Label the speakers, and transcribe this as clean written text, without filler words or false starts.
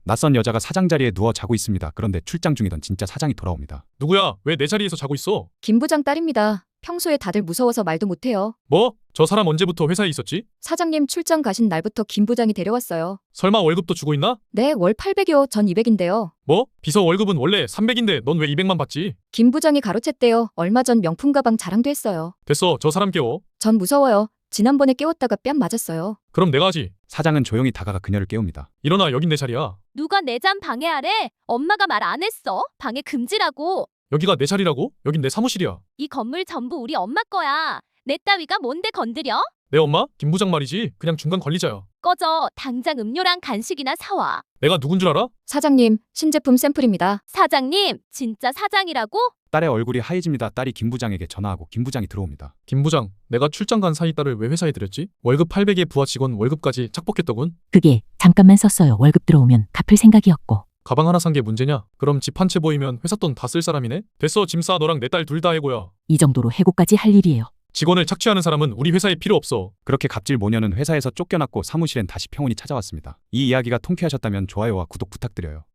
Speaker 1: 낯선 여자가 사장 자리에 누워 자고 있습니다. 그런데 출장 중이던 진짜 사장이 돌아옵니다.
Speaker 2: 누구야? 왜 내 자리에서 자고 있어?
Speaker 3: 김 부장 딸입니다. 평소에 다들 무서워서 말도 못해요.
Speaker 2: 뭐? 저 사람 언제부터 회사에 있었지?
Speaker 3: 사장님 출장 가신 날부터 김 부장이 데려왔어요.
Speaker 2: 설마 월급도 주고 있나?
Speaker 3: 네, 월 800이요. 전 200인데요.
Speaker 2: 뭐? 비서 월급은 원래 300인데 넌 왜 200만 받지?
Speaker 3: 김 부장이 가로챘대요. 얼마 전 명품 가방 자랑도 했어요.
Speaker 2: 됐어, 저 사람 깨워.
Speaker 3: 전 무서워요. 지난번에 깨웠다가 뺨 맞았어요.
Speaker 2: 그럼 내가 하지.
Speaker 1: 사장은 조용히 다가가 그녀를 깨웁니다.
Speaker 2: 일어나, 여긴 내 자리야.
Speaker 4: 누가 내 잠 방해하래? 엄마가 말 안 했어. 방해 금지라고.
Speaker 2: 여기가 내 자리라고? 여긴 내 사무실이야.
Speaker 4: 이 건물 전부 우리 엄마 거야. 내 따위가 뭔데 건드려?
Speaker 2: 내 엄마? 김 부장 말이지. 그냥 중간 관리자야.
Speaker 4: 꺼져. 당장 음료랑 간식이나 사와.
Speaker 2: 내가 누군 줄 알아?
Speaker 3: 사장님, 신제품 샘플입니다.
Speaker 4: 사장님, 진짜 사장이라고?
Speaker 1: 딸의 얼굴이 하얘집니다. 딸이 김 부장에게 전화하고 김 부장이 들어옵니다.
Speaker 2: 김 부장, 내가 출장 간 사이 딸을 왜 회사에 들였지? 월급 800에 부하 직원 월급까지 착복했더군.
Speaker 5: 그게 잠깐만 썼어요. 월급 들어오면 갚을 생각이었고.
Speaker 2: 가방 하나 산 게 문제냐? 그럼 집 한 채 보이면 회사 돈 다 쓸 사람이네? 됐어, 짐 싸. 너랑 내 딸 둘 다 해고야.
Speaker 5: 이 정도로 해고까지 할 일이에요.
Speaker 2: 직원을 착취하는 사람은 우리 회사에 필요 없어.
Speaker 1: 그렇게 갑질 모녀는 회사에서 쫓겨났고 사무실엔 다시 평온이 찾아왔습니다. 이 이야기가 통쾌하셨다면 좋아요와 구독 부탁드려요.